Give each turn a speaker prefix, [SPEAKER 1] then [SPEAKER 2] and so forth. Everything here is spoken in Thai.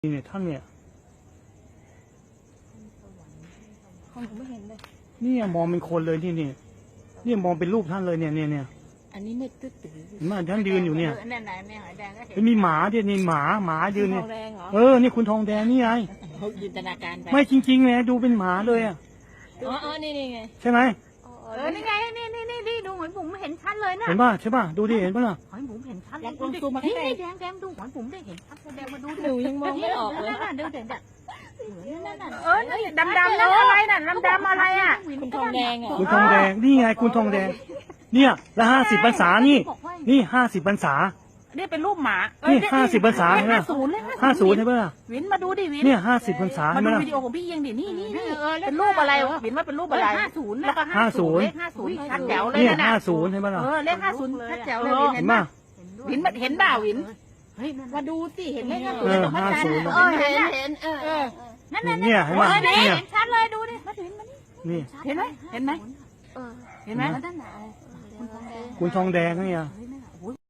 [SPEAKER 1] เนี่ยท่านเนี่ย
[SPEAKER 2] ของผมไม่เห็นเลย
[SPEAKER 1] เนี่ยมองเป็นคนเลยเนี่ยมองเป็นรูปท่านเลยเนี่ย
[SPEAKER 2] อันนี้ไม่ตื้อตื้อ
[SPEAKER 1] เห็นไหมท่านยืนอยู่เนี่ย
[SPEAKER 3] นั่นไหนแม่หอยแดงก็เห็น
[SPEAKER 1] แล้วมีหมาด้วยนี่หมายืน
[SPEAKER 2] ท
[SPEAKER 1] เนี่
[SPEAKER 2] อย งแดงเหรอ
[SPEAKER 1] นี่คุณทองแดงนี่ไง
[SPEAKER 2] เขาจินตนาการไป
[SPEAKER 1] ไม่จริงๆเลยดูเป็นหมาเลยอ่ะ
[SPEAKER 2] อ๋อนี่ไง
[SPEAKER 1] ใช่ไหม
[SPEAKER 3] นี่ไงนี่ดูหอยบุ๋มเห็นชัดเลยนะ
[SPEAKER 1] เห็นป่ะใช่ป่ะดูดิเห็นป่ะล่ะ
[SPEAKER 3] หอยบุ๋มเห็นชัด
[SPEAKER 2] ลองซูมมา
[SPEAKER 3] นี่
[SPEAKER 2] ใกล้
[SPEAKER 3] แดงดูหอยบุ๋มได้เห็นชัดแดงมาดู
[SPEAKER 2] หนูยังมองไม่ออกเลย
[SPEAKER 3] นั่นดูเด่นนี่ดำนั่นอะไรน่ะดำอะไรอ่ะ
[SPEAKER 2] คุณทองแดงอ่ะ
[SPEAKER 1] คุณทองแดงนี่ไงคุณทองแดงเนี่ยแล้ว50 พรรษานี่50 พรรษา
[SPEAKER 3] นี่เป็นรูปหมา
[SPEAKER 1] นี่50 พรรษาเห็นไหม
[SPEAKER 3] 50เลย
[SPEAKER 1] 50ใช่ป่ะล่ะ
[SPEAKER 3] วินมาดูดิวิน
[SPEAKER 1] เนี่ย50 พรรษา
[SPEAKER 3] มา
[SPEAKER 1] ใช่ไหม
[SPEAKER 3] ดู
[SPEAKER 1] ล่ะ
[SPEAKER 3] วิดีโอของพี่เอียงดินี่เป็นรูปอะไรวะวินว่าเป็นรูปอะไร50แล้วก็50เลข50ชัดแจ๋วเลย
[SPEAKER 1] เนี่ย
[SPEAKER 3] นะ
[SPEAKER 1] 50ใช่ป่ะล่ะ
[SPEAKER 3] เลข50ชัดแจ๋วเลย
[SPEAKER 1] เห็นป่ะ
[SPEAKER 3] วินเห็นบ่าวิน
[SPEAKER 2] มาดูสิเห็นไหมคะ
[SPEAKER 3] 50
[SPEAKER 2] เห็น
[SPEAKER 3] นั่น
[SPEAKER 1] เนี่ยเห็นป่ะเนี่ย
[SPEAKER 3] เห็นชัดเลยดูดิมาถึงมานี่
[SPEAKER 1] นี่
[SPEAKER 3] เห็นไหมเห็นไหม
[SPEAKER 2] เห็นไหม
[SPEAKER 1] คุณทองแดงเนี่ย